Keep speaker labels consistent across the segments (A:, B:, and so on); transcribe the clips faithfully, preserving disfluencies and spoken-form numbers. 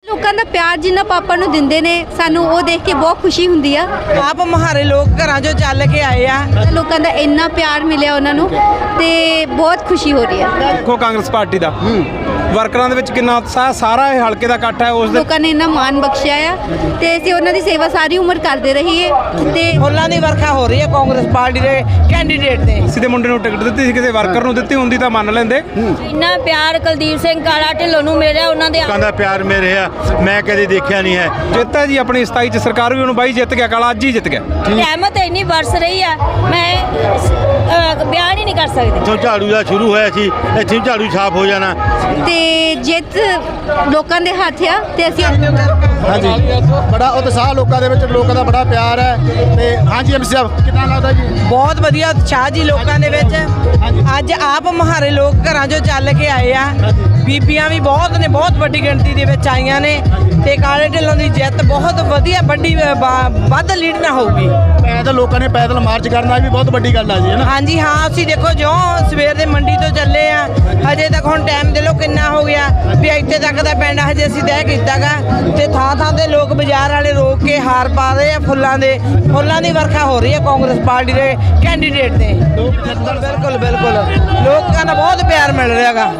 A: ਲੋਕਾਂ ਦਾ ਪਿਆਰ ਜਿੰਨਾ ਪਾਪਾ ਨੂੰ ਦਿੰਦੇ ਨੇ ਸਾਨੂੰ ਉਹ ਦੇਖ ਕੇ ਬਹੁਤ ਖੁਸ਼ੀ ਹੁੰਦੀ ਆ।
B: ਆਪ ਮਹਾਰੇ ਲੋਕ ਘਰਾਂ ਚੋਂ ਚੱਲ ਕੇ ਆਏ ਆ,
A: ਲੋਕਾਂ ਦਾ ਇੰਨਾ ਪਿਆਰ ਮਿਲਿਆ ਉਹਨਾਂ ਨੂੰ ਤੇ ਬਹੁਤ ਖੁਸ਼ੀ ਹੋ ਰਹੀ ਆ।
C: ਦੇਖੋ ਕਾਂਗਰਸ ਪਾਰਟੀ ਦਾ ਵਰਕਰਾਂ ਦੇ ਵਿੱਚ ਕਿੰਨਾ ਉਤਸ਼ਾਹ, ਸਾਰਾ ਇਹ ਹਲਕੇ ਦਾ ਇਕੱਠ ਹੈ। ਉਸ ਦੇ
A: ਲੋਕਾਂ ਨੇ ਇੰਨਾ ਮਾਣ ਬਖਸ਼ਿਆ ਆ ਤੇ ਅਸੀਂ ਉਹਨਾਂ ਦੀ ਸੇਵਾ ਸਾਰੀ ਉਮਰ ਕਰਦੇ ਰਹੀਏ ਤੇ
B: ਫੁੱਲਾਂ ਦੀ ਵਰਖਾ ਹੋ ਰਹੀ ਹੈ ਕਾਂਗਰਸ ਪਾਰਟੀ ਦੇ ਕੈਂਡੀਡੇਟ ਦੇ।
C: ਕਿਸੇ ਦੇ ਮੁੰਡੇ ਨੂੰ ਟਿਕਟ ਦਿੱਤੀ ਸੀ, ਕਿਸੇ ਵਰਕਰ ਨੂੰ ਦਿੱਤੀ ਹੁੰਦੀ ਤਾਂ ਮੰਨ ਲੈਂਦੇ।
D: ਇੰਨਾ ਪਿਆਰ ਕੁਲਦੀਪ ਸਿੰਘ ਕਾਲਾ ਢਿੱਲੋਂ ਨੂੰ ਮਿਲਿਆ, ਉਹਨਾਂ ਦੇ
E: ਲੋਕਾਂ ਦਾ ਪਿਆਰ ਮੇਰੇ ਆ ਮੈਂ ਕਦੇ ਦੇਖਿਆ ਨਹੀਂ ਹੈ।
C: ਜਿੱਤ ਹੈ ਜੀ ਆਪਣੀ ਸਤਾਈ ਚ ਸਰਕਾਰ ਵੀ ਉਹਨੂੰ ਬਾਈ ਜਿੱਤ ਗਿਆ, ਕਾਲਾ ਅੱਜ ਹੀ ਜਿੱਤ ਗਿਆ।
D: ਰਹਿਮਤ ਇੰਨੀ ਵਰਸ ਰਹੀ ਆ, ਮੈਂ ਅਹ, ਬਿਆਨ ਹੀ ਨਹੀਂ ਕਰ ਸਕਦੀ।
E: ਇੱਥੋਂ ਝਾੜੂ ਦਾ ਸ਼ੁਰੂ ਹੋਇਆ ਸੀ, ਇੱਥੇ ਵੀ ਝਾੜੂ ਛਾਪ ਹੋ ਜਾਣਾ
A: ਤੇ ਜਿੱਤ ਲੋਕਾਂ ਦੇ ਹੱਥ ਆ ਤੇ ਅਸੀਂ
F: ਹਾਂਜੀ ਬੜਾ ਉਤਸ਼ਾਹ ਲੋਕਾਂ ਦੇ ਵਿੱਚ, ਲੋਕਾਂ ਦਾ ਬੜਾ ਪਿਆਰ ਹੈ ਤੇ ਹਾਂਜੀ ਐਮਸੀ ਸਾਹਿਬ ਕਿੱਦਾਂ ਲੱਗਦਾ ਜੀ?
B: ਬਹੁਤ ਵਧੀਆ ਉਤਸ਼ਾਹ ਜੀ ਲੋਕਾਂ ਦੇ ਵਿੱਚ। ਅੱਜ ਆਪ ਮਹਾਰੇ ਲੋਕ ਘਰਾਂ ਚੋਂ ਚੱਲ ਕੇ ਆਏ ਆ, ਬੀਬੀਆਂ ਵੀ ਬਹੁਤ ਨੇ, ਬਹੁਤ ਵੱਡੀ ਗਿਣਤੀ ਦੇ ਵਿੱਚ ਆਈਆਂ ਨੇ ਤੇ ਕਾਲੇ ਢਿੱਲੋਂ ਦੀ ਜਿੱਤ ਬਹੁਤ ਵਧੀਆ ਵੱਡੀ ਵੱਧ ਲੀਡ ਨਾ ਹੋਊਗੀ।
F: ਪੈਦਲ ਲੋਕਾਂ ਨੇ ਪੈਦਲ ਮਾਰਚ ਕਰਨਾ ਵੀ ਬਹੁਤ ਵੱਡੀ ਗੱਲ ਆ ਜੀ, ਹੈ ਨਾ?
B: ਹਾਂਜੀ ਹਾਂ, ਅਸੀਂ ਦੇਖੋ ਜੋ ਸਵੇਰ ਦੇ ਮੰਡੀ ਤੋਂ ਚੱਲੇ ਆ, ਹਜੇ ਤੱਕ ਹੁਣ ਟਾਈਮ ਦੇ ਲੋ ਕਿੰਨਾ ਹੋ ਗਿਆ ਵੀ ਇੱਥੇ ਤੱਕ ਦਾ ਪਿੰਡ ਹਜੇ ਅਸੀਂ ਤੈਅ ਕੀਤਾਗਾ ਤੇ ਥਾਂ ਥਾਂ ਤੇ ਲੋਕ ਬਾਜ਼ਾਰ ਵਾਲੇ ਰੋਕ ਕੇ ਹਾਰ ਪਾ ਰਹੇ ਆ ਫੁੱਲਾਂ ਦੇ। ਫੁੱਲਾਂ ਦੀ ਵਰਖਾ ਹੋ ਰਹੀ ਹੈ ਕਾਂਗਰਸ ਪਾਰਟੀ ਦੇ ਕੈਂਡੀਡੇਟ ਦੇ। ਬਿਲਕੁਲ ਬਿਲਕੁਲ ਲੋਕਾਂ ਦਾ ਬਹੁਤ ਪਿਆਰ ਮਿਲ ਰਿਹਾ ਗਾ।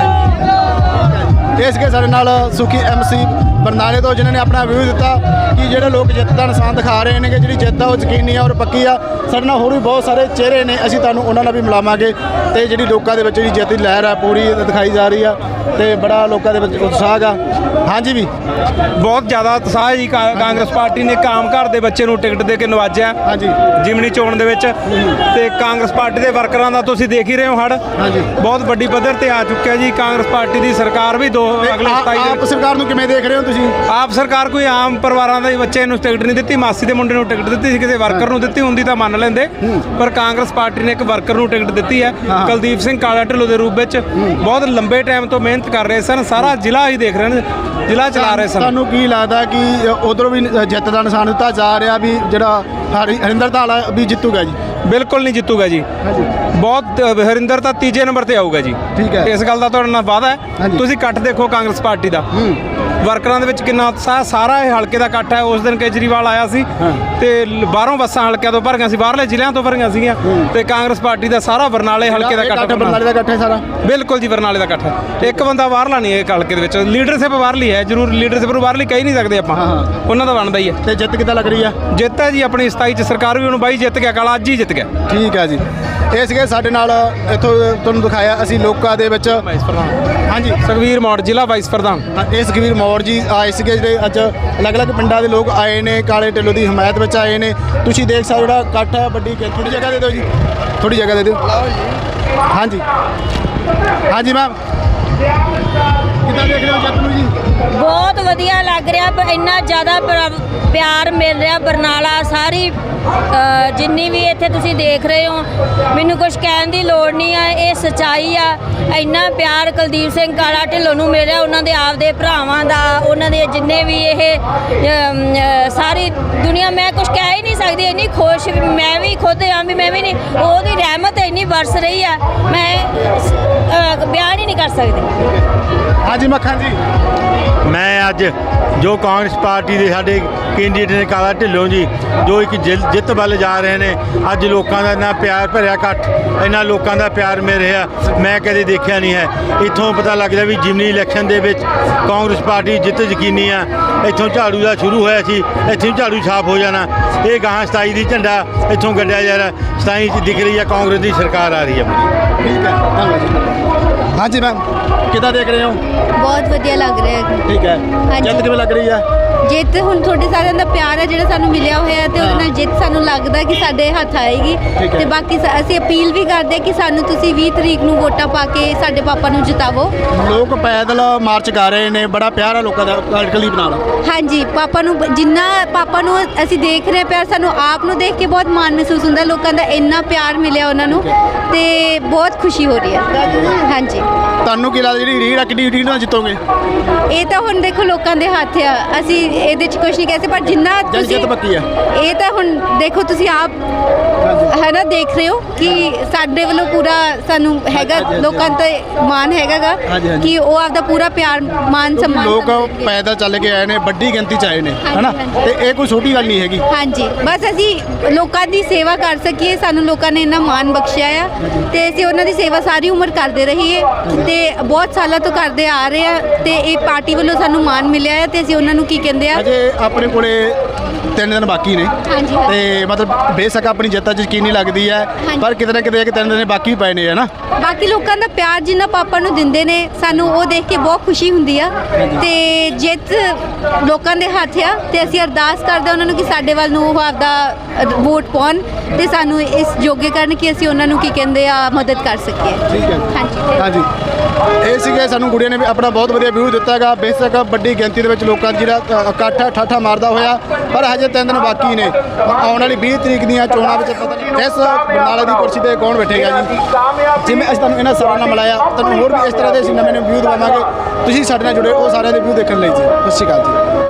F: ਇਸ ਕੇ ਸਾਡੇ ਨਾਲ ਸੁਖੀ ਐਮਸੀ ਬਰਨਾਲੇ ਤੋਂ ਜਿਨ੍ਹਾਂ ਨੇ ਆਪਣਾ ਵਿਊ ਦਿੱਤਾ ਕਿ ਜਿਹੜੇ ਲੋਕ ਜਿੱਤ ਦਾ ਨਿਸ਼ਾਨ ਦਿਖਾ ਰਹੇ ਨੇ ਕਿ ਜਿਹੜੀ ਜਿੱਤ ਆ ਉਹ ਯਕੀਨੀ ਆ ਔਰ ਪੱਕੀ ਆ। ਸਾਡੇ ਨਾਲ ਹੋਰ ਵੀ ਬਹੁਤ ਸਾਰੇ ਚਿਹਰੇ ਨੇ, ਅਸੀਂ ਤੁਹਾਨੂੰ ਉਹਨਾਂ ਨਾਲ ਵੀ ਮਿਲਾਵਾਂਗੇ ਤੇ ਜਿਹੜੀ ਲੋਕਾਂ ਦੇ ਵਿੱਚ ਜਿਹੜੀ ਜਿੱਤ ਦੀ ਲਹਿਰ ਆ ਪੂਰੀ ਦਿਖਾਈ ਜਾ ਰਹੀ ਆ ਤੇ ਬੜਾ ਲੋਕਾਂ ਦੇ ਵਿੱਚ ਉਤਸ਼ਾਹ ਆ। ਹਾਂਜੀ ਵੀ
C: ਬਹੁਤ ਜ਼ਿਆਦਾ ਉਤਸ਼ਾਹ ਹੈ ਜੀ। ਕਾ- ਕਾਂਗਰਸ ਪਾਰਟੀ ਨੇ ਕਾਮ ਘਰ ਦੇ ਬੱਚੇ ਨੂੰ ਟਿਕਟ ਦੇ ਕੇ ਨਵਾਜਿਆ
F: ਹਾਂਜੀ
C: ਜਿਮਨੀ ਚੋਣ ਦੇ ਵਿੱਚ ਤੇ ਕਾਂਗਰਸ ਪਾਰਟੀ ਦੇ ਵਰਕਰਾਂ ਦਾ ਤੁਸੀਂ ਦੇਖ ਹੀ ਰਹੇ ਹੋ ਹੜ
F: ਹਾਂਜੀ
C: ਬਹੁਤ ਵੱਡੀ ਪੱਧਰ ਤੇ ਆ ਚੁੱਕਿਆ ਜੀ। ਕਾਂਗਰਸ ਪਾਰਟੀ ਦੀ ਸਰਕਾਰ ਵੀ ਦੋ ਅਗਲੇ ਸਤਾਈ ਦੇ
F: ਆਪ ਸਰਕਾਰ ਨੂੰ ਕਿਵੇਂ ਦੇਖ ਰਹੇ ਹੋ ਤੁਸੀਂ?
C: ਆਪ ਸਰਕਾਰ ਕੋਈ ਆਮ ਪਰਿਵਾਰਾਂ ਦੇ ਬੱਚੇ ਨੂੰ ਟਿਕਟ ਨਹੀਂ ਦਿੱਤੀ, ਮਾਸੀ ਦੇ ਮੁੰਡੇ ਨੂੰ ਟਿਕਟ ਦਿੱਤੀ ਸੀ, ਕਿਸੇ ਵਰਕਰ ਨੂੰ ਦਿੱਤੀ ਹੁੰਦੀ ਤਾਂ ਮੰਨ ਲੈਂਦੇ। ਪਰ ਕਾਂਗਰਸ ਪਾਰਟੀ ਨੇ ਇੱਕ ਵਰਕਰ ਨੂੰ ਟਿਕਟ ਦਿੱਤੀ ਹੈ, ਕੁਲਦੀਪ ਸਿੰਘ ਕਾਲਾ ਢਿੱਲੋਂ ਦੇ ਰੂਪ ਵਿੱਚ। ਬਹੁਤ ਲੰਬੇ ਟਾਈਮ ਤੋਂ ਮਿਹਨਤ ਕਰ ਰਹੇ ਸਨ, ਸਾਰਾ ਜ਼ਿਲ੍ਹਾ ਹੀ ਦੇਖ ਰਹੇ ਨੇ, ਜ਼ਿਲ੍ਹਾ ਚਲਾ ਰਹੇ ਸਨ।
F: ਤੁਹਾਨੂੰ ਕੀ ਲੱਗਦਾ ਕਿ ਉਧਰੋਂ ਵੀ ਜਿੱਤ ਦਾ ਨਿਸ਼ਾਨ ਦਿੱਤਾ ਜਾ ਰਿਹਾ ਵੀ ਜਿਹੜਾ ਹਰੀ- ਹਰਿੰਦਰ ਧਾਲਾ ਵੀ ਜਿੱਤੂਗਾ ਜੀ?
C: ਬਿਲਕੁਲ ਨਹੀਂ ਜਿੱਤੂਗਾ ਜੀ। ਬਹੁਤ ਹਰਿੰਦਰ ਤਾਂ ਤੀਜੇ ਨੰਬਰ ਤੇ ਆਊਗਾ ਜੀ।
F: ਠੀਕ ਹੈ।
C: ਇਸ ਗੱਲ ਦਾ ਤੁਹਾਡੇ ਨਾਲ ਵਾਅਦਾ ਹੈ।
F: ਹਾਂਜੀ।
C: ਤੁਸੀਂ ਇਕੱਠ ਦੇਖੋ ਕਾਂਗਰਸ ਪਾਰਟੀ ਦਾ, ਵਰਕਰਾਂ ਦੇ ਵਿੱਚ ਕਿੰਨਾ ਉਤਸ਼ਾਹ, ਸਾਰਾ ਇਹ ਹਲਕੇ ਦਾ ਇਕੱਠ ਹੈ। ਉਸ ਦਿਨ ਕੇਜਰੀਵਾਲ ਆਇਆ ਸੀ ਤੇ ਬਾਹਰੋਂ ਬੱਸਾਂ ਹਲਕਿਆਂ ਤੋਂ ਭਰੀਆਂ ਸੀ, ਬਾਹਰਲੇ ਜ਼ਿਲ੍ਹਿਆਂ ਤੋਂ ਭਰੀਆਂ ਸੀਗੀਆਂ ਤੇ ਕਾਂਗਰਸ ਪਾਰਟੀ ਦਾ ਸਾਰਾ ਬਰਨਾਲੇ ਹਲਕੇ ਦਾ ਇਕੱਠ।
F: ਬਰਨਾਲੇ ਦਾ ਇਕੱਠ ਹੈ ਸਾਰਾ?
C: ਬਿਲਕੁਲ ਜੀ, ਬਰਨਾਲੇ ਦਾ ਇਕੱਠ ਹੈ। ਇੱਕ ਬੰਦਾ ਬਾਹਰਲਾ ਨਹੀਂ ਹੈ ਹਲਕੇ ਦੇ ਵਿੱਚ। ਲੀਡਰਸ਼ਿਪ ਬਾਹਰਲੀ ਹੈ ਜ਼ਰੂਰ, ਲੀਡਰਸ਼ਿਪ ਨੂੰ ਬਾਹਰਲੀ ਕਹਿ ਨਹੀਂ ਸਕਦੇ ਆਪਾਂ, ਉਹਨਾਂ ਦਾ ਬਣਦਾ ਹੀ ਹੈ।
F: ਤੇ ਜਿੱਤ ਕਿੱਦਾਂ ਲੱਗ ਰਹੀ ਆ?
C: ਜਿੱਤ ਹੈ ਜੀ ਆਪਣੀ ਸਤਾਈ ਚ ਸਰਕਾਰ ਵੀ ਉਹਨੂੰ ਬਾਈ ਜਿੱਤ ਗਿਆ, ਕਾਲਾ ਅੱਜ ਹੀ ਜਿੱਤ ਗਿਆ।
F: ਠੀਕ ਹੈ ਜੀ। ਇਹ ਸੀਗੇ ਸਾਡੇ ਨਾਲ ਇੱਥੋਂ ਤੁਹਾਨੂੰ ਦਿਖਾਇਆ ਅਸੀਂ ਲੋਕਾਂ ਦੇ ਵਿੱਚ। ਹਾਂਜੀ
C: ਸੁਖਵੀਰ ਮੌੜ ਜ਼ਿਲ੍ਹਾ ਵਾਈਸ ਪ੍ਰਧਾਨ।
F: ਇਹ ਸੁਖਵੀਰ ਮੌੜ ਜੀ ਆਏ ਸੀਗੇ ਜਿਹੜੇ ਅੱਜ ਅਲੱਗ-ਅਲੱਗ ਪਿੰਡਾਂ ਦੇ ਲੋਕ ਆਏ ਨੇ, ਕਾਲੇ ਢਿੱਲੋਂ ਦੀ ਹਮਾਇਤ ਵਿੱਚ ਆਏ ਨੇ। ਤੁਸੀਂ ਦੇਖ ਸਕਦੇ ਜਿਹੜਾ ਇਕੱਠ ਹੈ ਵੱਡੀ। ਥੋੜੀ ਜਗ੍ਹਾ ਦੇ ਦਿਓ ਜੀ, ਥੋੜੀ ਜਗ੍ਹਾ ਦੇ ਦਿਓ। ਹਾਂਜੀ ਹਾਂਜੀ ਮੈਮ ਕਿੱਦਾਂ ਦੇਖ ਰਹੇ ਹੋ ਜਿੱਤ ਨੂੰ ਜੀ?
D: ਬਹੁਤ ਵਧੀਆ ਲੱਗ ਰਿਹਾ, ਪਰ ਇੰਨਾ ਜ਼ਿਆਦਾ ਪਿਆ- ਪਿਆਰ ਮਿਲ ਰਿਹਾ ਬਰਨਾਲਾ ਸਾਰੀ ਅਹ, ਜਿੰਨੀ ਵੀ ਇੱਥੇ ਤੁਸੀਂ ਦੇਖ ਰਹੇ ਹੋ। ਮੈਨੂੰ ਕੁਝ ਕਹਿਣ ਦੀ ਲੋੜ ਨਹੀਂ ਆ, ਇਹ ਸੱਚਾਈ ਆ। ਇੰਨਾ ਪਿਆਰ ਕੁਲਦੀਪ ਸਿੰਘ ਕਾਲਾ ਢਿੱਲੋਂ ਨੂੰ ਮਿਲਿਆ, ਉਹਨਾਂ ਦੇ ਆਪਦੇ ਭਰਾਵਾਂ ਦਾ, ਉਹਨਾਂ ਦੇ ਜਿੰਨੇ ਵੀ ਇਹ ਅਮ, ਅਹ, ਸਾਰੀ ਦੁਨੀਆ, ਮੈਂ ਕੁਝ ਕਹਿ ਹੀ ਨਹੀਂ ਸਕਦੀ। ਇੰਨੀ ਖੁਸ਼ ਮੈਂ ਵੀ ਖੁਦ ਆ ਵੀ ਮੈਂ ਵੀ ਨਹੀਂ, ਉਹਦੀ ਰਹਿਮਤ ਇੰਨੀ ਵਰਸ ਰਹੀ ਆ, ਮੈਂ ਅਹ, ਬਿਆਨ ਹੀ ਨਹੀਂ ਕਰ ਸਕਦੀ।
F: ਹਾਂਜੀ ਮੱਖਣ ਜੀ
E: ਮੈਂ ਅੱਜ ਜੋ ਕਾਂਗਰਸ ਪਾਰਟੀ ਦੇ ਸਾਡੇ ਕੈਂਡੀਡੇਟ ਨੇ ਕਾਲਾ ਢਿੱਲੋਂ ਜੀ, ਜੋ ਇੱਕ ਜਿ- ਜਿੱਤ ਵੱਲ ਜਾ ਰਹੇ ਨੇ। ਅੱਜ ਲੋਕਾਂ ਦਾ ਇੰਨਾ ਪਿਆਰ ਭਰਿਆ ਇਕੱਠ, ਇੰਨਾ ਲੋਕਾਂ ਦਾ ਪਿਆਰ ਮਿਲ ਰਿਹਾ ਮੈਂ ਕਦੇ ਦੇਖਿਆ ਨਹੀਂ ਹੈ। ਇੱਥੋਂ ਪਤਾ ਲੱਗਦਾ ਵੀ ਜਿਮਨੀ ਇਲੈਕਸ਼ਨ ਦੇ ਵਿੱਚ ਕਾਂਗਰਸ ਪਾਰਟੀ ਜਿੱਤ ਯਕੀਨੀ ਆ। ਇੱਥੋਂ ਝਾੜੂ ਦਾ ਸ਼ੁਰੂ ਹੋਇਆ ਸੀ, ਇੱਥੇ ਵੀ ਝਾੜੂ ਛਾਪ ਹੋ ਜਾਣਾ। ਇਹ ਗਾਹਾਂ ਸਤਾਈ ਦੀ ਝੰਡਾ ਇੱਥੋਂ ਗੱਡਿਆ ਜਾ ਰਿਹਾ, ਸਤਾਈ 'ਚ ਦਿਖ ਰਹੀ ਹੈ ਕਾਂਗਰਸ ਦੀ ਸਰਕਾਰ ਆ ਰਹੀ ਹੈ।
F: ਠੀਕ ਹੈ, ਧੰਨਵਾਦ ਜੀ। ਹਾਂਜੀ ਮੈਮ ਕਿੱਦਾਂ ਦੇਖ ਰਹੇ ਹੋ?
A: ਬਹੁਤ ਵਧੀਆ ਲੱਗ ਰਿਹਾ ਹੈ।
F: ਠੀਕ ਹੈ। ਜਿੱਤ ਕਿਵੇਂ ਲੱਗ ਰਹੀ ਆ?
A: ਜਿੱਤ ਹੁਣ ਤੁਹਾਡੇ ਸਾਰਿਆਂ ਦਾ ਪਿਆਰ ਹੈ ਜਿਹੜਾ ਸਾਨੂੰ ਮਿਲਿਆ ਹੋਇਆ ਹੈ ਤੇ ਉਹਦੇ ਨਾਲ ਜਿੱਤ ਸਾਨੂੰ ਲੱਗਦਾ ਕਿ ਸਾਡੇ ਹੱਥ ਆਏਗੀ। ਤੇ ਬਾਕੀ ਸ- ਅਸੀਂ ਅਪੀਲ ਵੀ ਕਰਦੇ ਕਿ ਸਾਨੂੰ ਤੁਸੀਂ ਵੀਹ ਤਰੀਕ ਨੂੰ ਵੋਟਾਂ ਪਾ ਕੇ ਸਾਡੇ ਪਾਪਾ ਨੂੰ ਜਿਤਾਵੋ।
F: ਲੋਕ ਪੈਦਲ ਮਾਰਚ ਕਰ ਰਹੇ ਨੇ, ਬੜਾ ਪਿਆਰ ਆ ਲੋਕਾਂ ਦਾ ਕੁਲਦੀਪ ਨਾਲ।
A: ਹਾਂਜੀ, ਪਾਪਾ ਨੂੰ ਬ- ਜਿੰਨਾ ਪਾਪਾ ਨੂੰ ਅਸੀਂ ਦੇਖ ਰਹੇ ਪਿਆਰ, ਸਾਨੂੰ ਆਪ ਨੂੰ ਦੇਖ ਕੇ ਬਹੁਤ ਮਾਣ ਮਹਿਸੂਸ ਹੁੰਦਾ। ਲੋਕਾਂ ਦਾ ਇੰਨਾ ਪਿਆਰ ਮਿਲਿਆ ਉਹਨਾਂ ਨੂੰ ਤੇ ਬਹੁਤ ਖੁਸ਼ੀ ਹੋ ਰਹੀ ਹੈ। ਹਾਂਜੀ।
F: ਤੁਹਾਨੂੰ ਕੀ ਲੱਗਦਾ ਜਿਹੜੀ ਰੀੜ ਆ ਕਿੰਨੀ ਰੀੜ ਨਾਲ ਜਿੱਤੋਗੇ?
A: ਇਹ ਤਾਂ ਹੁਣ ਦੇਖੋ ਲੋਕਾਂ ਦੇ ਹੱਥ ਆ, ਅਸੀਂ ਇਹਦੇ 'ਚ ਕੁਝ ਨਹੀਂ ਕਹਿ ਸਕਦੇ, ਪਰ ਜਿੰਨਾ
F: ਜਨ
A: ਤੁਸੀਂ
F: ਜਿੱਤ ਪੱਕੀ ਆ।
A: ਇਹ ਤਾਂ ਹੁਣ ਦੇਖੋ ਤੁਸੀਂ ਆਪ ਹੈ ਨਾ ਦੇਖ ਰਹੇ ਹੋ ਕਿ ਸਾਡੇ ਵੱਲੋਂ ਪੂਰਾ ਸਾਨੂੰ ਹੈਗਾ,
F: ਹਾਂਜੀ, ਹਾਂਜੀ,
A: ਲੋਕਾਂ ਤੇ ਮਾਣ ਹੈਗਾਗਾ
F: ਹਾਂਜੀ, ਹਾਂਜੀ।
A: ਕਿ ਉਹ ਆਪਦਾ ਪੂਰਾ ਪਿਆਰ ਮਾਨ ਸਨਮਾਨ
F: ਲੋਕ
A: ਸਾਨੂੰ ਦਿੰਦੇ ਆ।
F: ਪੈਦਲ ਚੱਲ ਕੇ ਆਏ ਨੇ, ਵੱਡੀ ਗਿਣਤੀ 'ਚ ਆਏ ਨੇ
A: ਹਾਂਜੀ,
F: ਹਨਾ,
A: ਹਾਂਜੀ।
F: ਤੇ ਇਹ ਕੋਈ ਛੋਟੀ ਗੱਲ ਨਹੀਂ ਹੈਗੀ।
A: ਹਾਂਜੀ, ਬਸ ਅਸੀਂ ਲੋਕਾਂ ਦੀ ਸੇਵਾ ਕਰ ਸਕੀਏ, ਸਾਨੂੰ ਲੋਕਾਂ ਨੇ ਇੰਨਾ ਮਾਣ ਬਖਸ਼ਿਆ ਆ ਤੇ ਅਸੀਂ ਉਹਨਾਂ ਦੀ ਸੇਵਾ ਸਾਰੀ ਉਮਰ ਕਰਦੇ ਰਹੀਏ ਤੇ ਬਹੁਤ ਸਾਲਾਂ ਤੋਂ ਕਰਦੇ ਆ ਰਹੇ ਆ ਤੇ ਇਹ ਪਾਰਟੀ ਵੱਲੋਂ ਸਾਨੂੰ ਮਾਣ ਮਿਲਿਆ ਹੈ ਤੇ ਅਸੀਂ ਉਹਨਾਂ ਨੂੰ ਕੀ ਕਹਿੰਦੇ ਆ।
F: ਅਜੇ ਆਪਣੇ ਕੋਲੇ ਤਿੰਨ ਦਿਨ ਬਾਕੀ ਨੇ
A: ਹਾਂਜੀ,
F: ਤੇ ਮਤਲਬ ਬੇਸ਼ੱਕ ਆਪਣੀ ਜਿੱਤ ਅੱਜ ਯਕੀਨੀ ਲੱਗਦੀ ਹੈ,
A: ਹਾਂਜੀ।
F: ਪਰ ਕਿਤੇ ਨਾ ਕਿਤੇ ਇੱਕ ਤਿੰਨ ਦਿਨ ਬਾਕੀ ਪਏ ਨੇ ਹਨਾ।
A: ਬਾਕੀ ਲੋਕਾਂ ਦਾ ਪਿਆਰ ਜਿੰਨਾ ਪਾਪਾ ਨੂੰ ਦਿੰਦੇ ਨੇ ਸਾਨੂੰ ਉਹ ਦੇਖ ਕੇ ਬਹੁਤ ਖੁਸ਼ੀ ਹੁੰਦੀ ਆ ਤੇ ਜਿੱਤ ਲੋਕਾਂ ਦੇ ਹੱਥ ਆ ਤੇ ਅਸੀਂ ਅਰਦਾਸ ਕਰਦੇ ਉਹਨਾਂ ਨੂੰ ਕਿ ਸਾਡੇ ਵੱਲ ਨੂੰ ਉਹ ਆਪਦਾ ਵੋਟ ਪਾਉਣ ਤੇ ਸਾਨੂੰ ਇਸ ਯੋਗੇ ਕਰਨ ਕਿ ਅਸੀਂ ਉਹਨਾਂ ਨੂੰ ਕੀ ਕਹਿੰਦੇ ਆ ਮਦਦ ਕਰ ਸਕੀਏ।
F: ਠੀਕ ਹੈ
A: ਹਾਂਜੀ
F: ਹਾਂਜੀ, ਇਹ ਸੀਗੇ ਸਾਨੂੰ ਗੁੜੀਆਂ ਨੇ ਵੀ ਆਪਣਾ ਬਹੁਤ ਵਧੀਆ ਵਿਊ ਦਿੱਤਾ ਹੈਗਾ। ਬੇਸ਼ੱਕ ਵੱਡੀ ਗਿਣਤੀ ਦੇ ਵਿੱਚ ਲੋਕਾਂ ਦਾ ਜਿਹੜਾ ਅ, ਇਕੱਠ ਹੈ ਠਾਠਾ ਮਾਰਦਾ ਹੋਇਆ, ਪਰ ਹਜੇ ਤਿੰਨ ਦਿਨ ਬਾਕੀ ਨੇ। ਆਉਣ ਵਾਲੀ ਵੀਹ ਤਰੀਕ ਦੀਆਂ ਚੋਣਾਂ ਵਿੱਚ ਪਤਾ ਨਹੀਂ ਇਸ ਬਰਨਾਲਾ ਦੀ ਕੁਰਸੀ ਤੇ ਕੌਣ ਬੈਠੇਗਾ ਜੀ। ਜਿਵੇਂ ਅਸੀਂ ਤੁਹਾਨੂੰ ਇਹਨਾਂ ਸਾਰਿਆਂ ਨਾਲ ਮਿਲਾਇਆ, ਤੁਹਾਨੂੰ ਹੋਰ ਵੀ ਇਸ ਤਰ੍ਹਾਂ ਦੇ ਅਸੀਂ ਨਵੇਂ ਨਵੇਂ ਵਿਊ ਦਵਾਵਾਂਗੇ। ਤੁਸੀਂ ਸਾਡੇ ਨਾਲ ਜੁੜੇ ਉਹ ਸਾਰਿਆਂ ਦੇ ਵਿਊ ਦੇਖਣ ਲਈ ਜੀ। ਸਤਿ ਸ਼੍ਰੀ ਅਕਾਲ ਜੀ।